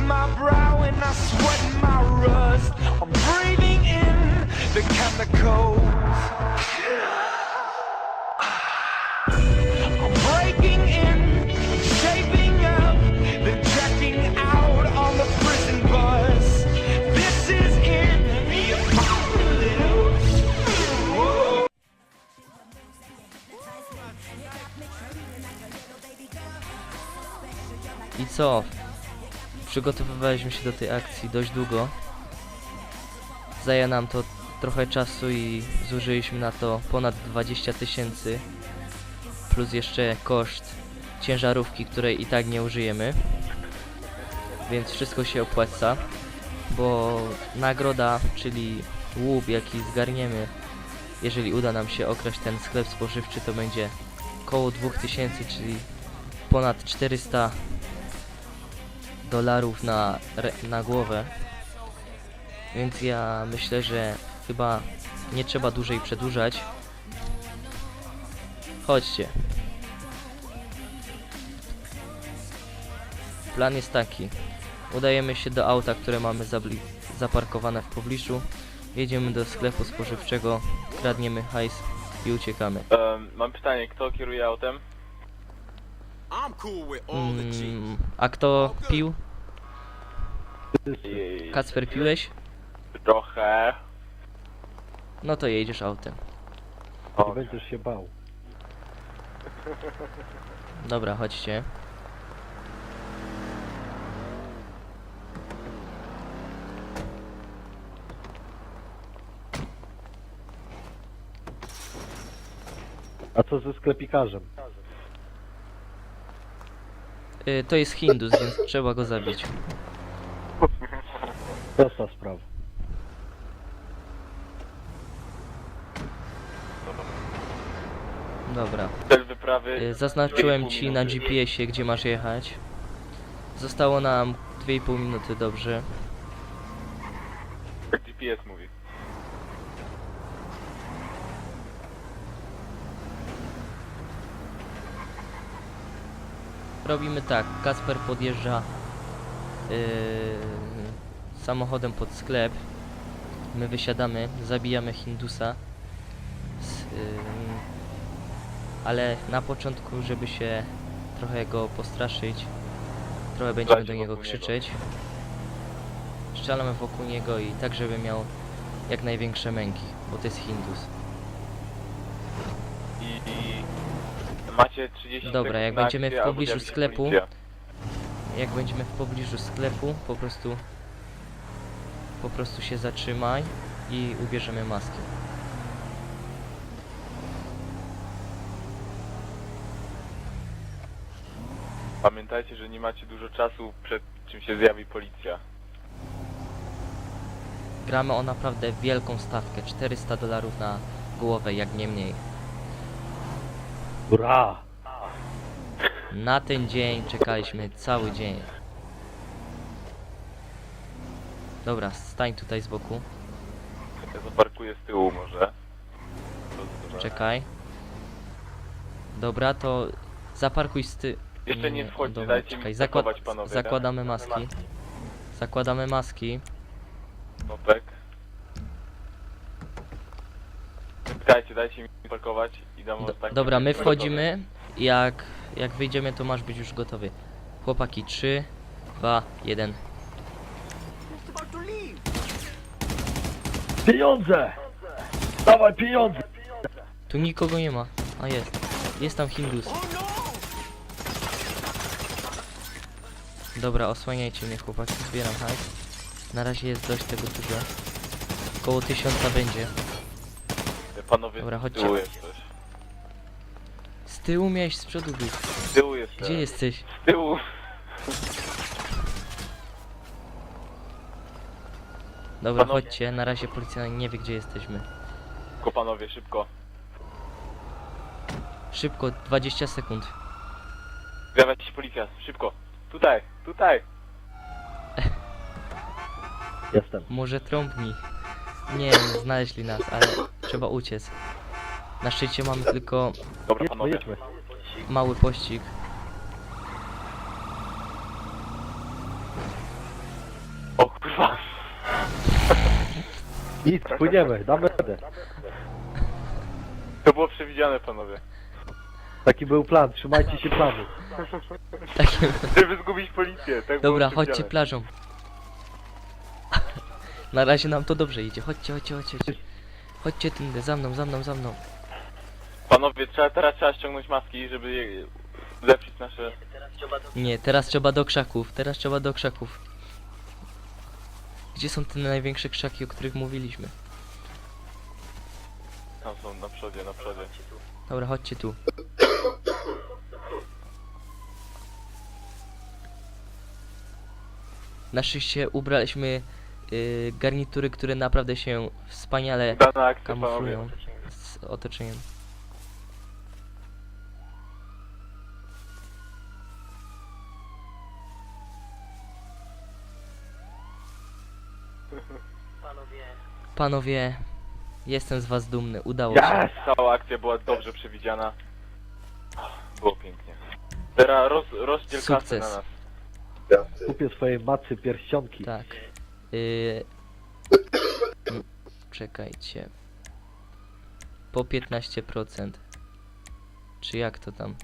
my brow and I sweat my rust. I'm breathing in the chemicals. I'm breaking in, shaping up, then checking out on the prison bus. This is it, the apocalypse. Whoa. I co? Przygotowywaliśmy się do tej akcji dość długo. Zajęło nam to trochę czasu i zużyliśmy na to ponad 20 000, plus jeszcze koszt ciężarówki, której i tak nie użyjemy. Więc wszystko się opłaca, bo nagroda, czyli łup, jaki zgarniemy, jeżeli uda nam się okraść ten sklep spożywczy, to będzie około 2000, czyli ponad 400 dolarów na głowę. Więc ja myślę, że chyba nie trzeba dłużej przedłużać. Chodźcie. Plan jest taki. Udajemy się do auta, które mamy zaparkowane w pobliżu. Jedziemy do sklepu spożywczego, kradniemy hajs i uciekamy. Mam pytanie, kto kieruje autem? A kto pił? Kacper, piłeś? Trochę. No to jedziesz autem. Nie będziesz się bał. Dobra, chodźcie. A co ze sklepikarzem? To jest Hindus, więc trzeba go zabić. Prosta sprawa. Dobra. Cel wyprawy. Zaznaczyłem ci na GPS-ie, gdzie masz jechać. Zostało nam 2,5 minuty, dobrze. Jak GPS mówi. Robimy tak, Kacper podjeżdża samochodem pod sklep. My wysiadamy, zabijamy Hindusa. Ale na początku, żeby się trochę go postraszyć, trochę będziemy do niego krzyczeć. Strzelamy wokół niego i tak, żeby miał jak największe męki, bo to jest Hindus. I macie 30 Dobra, sekund jak na będziemy akcję, w albo pobliżu zjawi się sklepu, policja. po prostu się zatrzymaj i ubierzemy maski. Pamiętajcie, że nie macie dużo czasu, przed czym się zjawi policja. Gramy o naprawdę wielką stawkę, 400 dolarów na głowę, jak nie mniej. Ura! Na ten dzień czekaliśmy cały dzień. Dobra, stań tutaj z boku. Ja zaparkuję z tyłu może. Czekaj. Dobra, to zaparkuj z ty... Jeszcze nie wchodźcie, dobra, dajcie czekaj. mi zakować, panowie. Zakładamy maski. Zakładamy maski. Nopek. Czekajcie, dajcie mi parkować i dam ostatni. Dobra, my wchodzimy. Jak wyjdziemy, to masz być już gotowy. Chłopaki, 3, 2, 1. Pieniądze! Dawaj pieniądze! Tu nikogo nie ma. A jest. Jest tam Hindus. Dobra, osłaniajcie mnie, chłopaki. Zbieram hajs. Na razie jest dość tego dużo. Koło 1000 będzie. Panowie, Dobra, z chodźcie. tyłu jest coś. Z tyłu miałeś, z przodu być. Z tyłu jest Gdzie jesteś? Z tyłu. Dobra, Panowie. chodźcie. Na razie policja nie wie, gdzie jesteśmy. Szybko, panowie, szybko. Szybko, 20 sekund. Zjawia się policja, szybko. Tutaj, tutaj. Jestem. Może trąbnij. Nie, nie znaleźli nas, ale trzeba uciec. Na szczycie mamy tylko Dobra, Jedźmy, panowie. jedźmy. mały pościg. Nic, płyniemy, damy radę. To było przewidziane, panowie. Taki był plan, trzymajcie się planu. Takie... Żeby zgubić policję, tak było Dobra, przewidziane. chodźcie plażą. Na razie nam to dobrze idzie. Chodźcie, chodźcie, chodźcie. Chodźcie tędy, za mną, za mną, za mną. Panowie, teraz trzeba ściągnąć maski, żeby zepsuć nasze... Nie, teraz trzeba do krzaków, teraz trzeba do krzaków. Gdzie są te największe krzaki, o których mówiliśmy? Tam są, na przodzie, na przodzie. Dobra, chodźcie tu. Na szczęście ubraliśmy garnitury, które naprawdę się wspaniale Udana akcja, panowie. kamuflują z otoczeniem. Panowie, jestem z was dumny, udało się. Yes! Cała akcja była dobrze przewidziana. Było pięknie. Teraz rozdziel kasy Sukces. na nas. Kupię swojej matce pierścionki. Tak. Czekajcie. Po 15%. Czy jak to tam?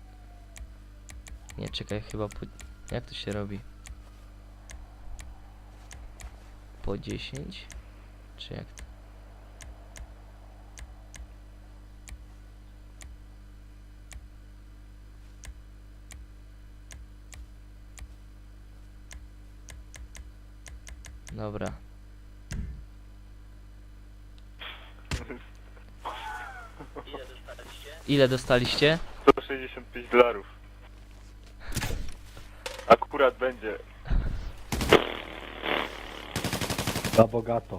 Nie, czekaj, chyba po... Jak to się robi? Po 10? Czy jak to? Dobra. Ile dostaliście? $165. Akurat będzie. Na bogato.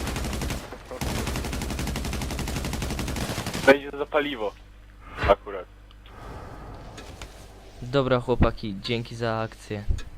Będzie za paliwo. Akurat. Dobra chłopaki, dzięki za akcję.